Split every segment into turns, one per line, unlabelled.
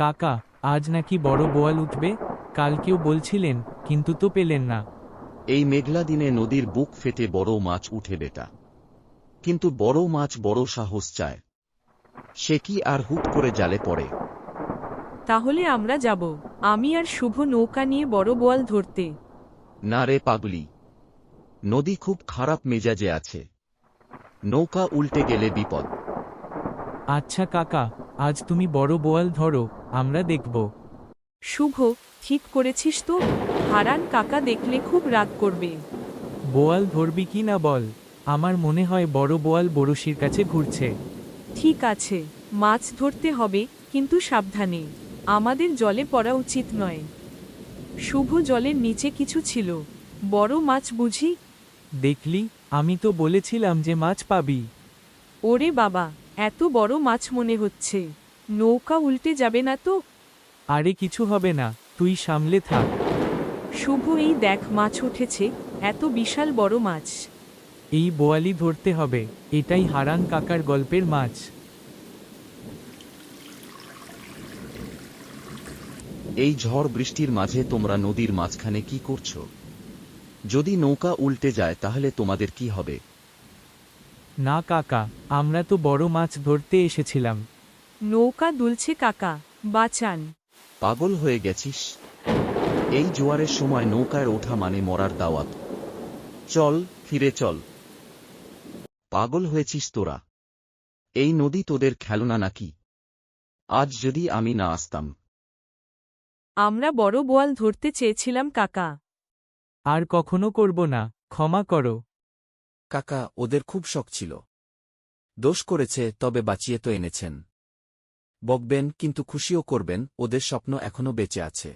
কাকা, আজ নাকি বড় বোয়াল উঠবে? কালকেও বলছিলেন, কিন্তু তো পেলেন না।
এই মেঘলা দিনে নদীর বুক ফেটে বড় মাছ উঠে বেটা। কিন্তু বড় মাছ বড় সাহস চায়। সে কি আর হুট করে জালে পড়ে?
তাহলে আমরা যাব, আমি আর শুভ নৌকা নিয়ে বড় বোয়াল ধরতে।
না রে পাগলি, নদী খুব খারাপ মেজাজে আছে। নৌকা উল্টে গেলে বিপদ।
আচ্ছা কাকা, আজ তুমি বড় বোয়াল ধরো, আমরা দেখব।
শুভ, ঠিক করেছিস তো? হারান কাকা দেখলে খুব রাগ করবে।
বোয়াল ধরবি কি না বল? আমার মনে হয় বড় বোয়াল বড়শির কাছে ঘুরছে।
ঠিক আছে, মাছ ধরতে হবে, কিন্তু সাবধানে। আমাদের জলে পড়া উচিত নয়। শুভ, জলের নিচে কিছু ছিল। বড় মাছ বুঝি?
দেখলি, আমি তো বলেছিলাম যে মাছ পাবি।
ওরে বাবা, এত বড় মাছ মনে হচ্ছে। নৌকা উল্টে যাবে না তো?
আরে কিছু হবে না, তুই সামলে থাক।
শুভ, এই দেখ মাছ উঠেছে, এত বিশাল বড় মাছ।
এই বোয়ালই ধরতে হবে, এটাই হারান কাকার গল্পের মাছ।
এই ঝড় বৃষ্টির মাঝে তোমরা নদীর মাঝখানে কি করছো? যদি নৌকা উল্টে যায় তাহলে তোমাদের কি হবে?
না কাকা, আমরা তো বড় মাছ ধরতে এসেছিলাম।
নৌকা দুলছে কাকা, বাঁচান।
পাগল হয়ে গেছিস? এই জোয়ারের সময় নৌকায় ওঠা মানে মরার দাওয়াত। চল, ফিরে চল। পাগল হয়েছিস তোরা? এই নদী তোদের খেলনা নাকি? আজ যদি আমি না আসতাম।
আমরা বড় বোয়াল ধরতে চেয়েছিলাম কাকা।
আর কখনো করব না, ক্ষমা করো।
কাকা, ওদের খুব শখ ছিল। দোষ করেছে, তবে বাঁচিয়ে তো এনেছেন। বকবেন, কিন্তু খুশিও করবেন, ওদের স্বপ্ন এখনো বেঁচে আছে।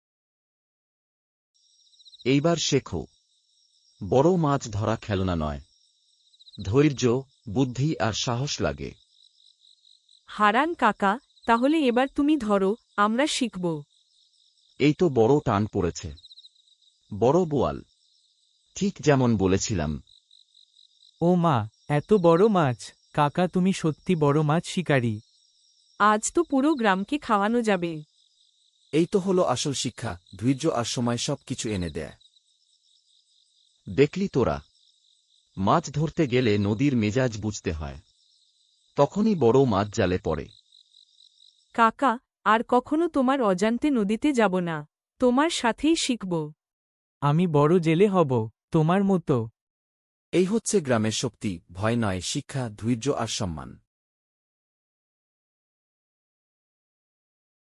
এইবার শেখো, বড় মাছ ধরা খেলনা নয়। ধৈর্য, বুদ্ধি আর সাহস লাগে।
হারান কাকা, তাহলে এবার তুমি ধরো, আমরা শিখব।
এই তো বড় টান পড়েছে। বড় বোয়াল। ঠিক যেমন বলেছিলাম।
ও মা, এত বড় মাছ! কাকা, তুমি সত্যি বড় মাছ শিকারী।
আজ তো পুরো গ্রামকে খাওয়ানো যাবে।
এই তো হলো আসল শিক্ষা, ধৈর্য আর সময় সব কিছু এনে দেয়।
দেখলি তোরা, মাছ ধরতে গেলে নদীর মেজাজ বুঝতে হয়। তখনই বড় মাছ জালে পড়ে।
কাকা, আর কখনো তোমার অজান্তে নদীতে যাব না। তোমার সাথেই শিখব।
আমি বড় জেলে হব, তোমার মতো।
এই হচ্ছে গ্রামের শক্তি, ভয় নয়, শিক্ষা, ধৈর্য আর সম্মান।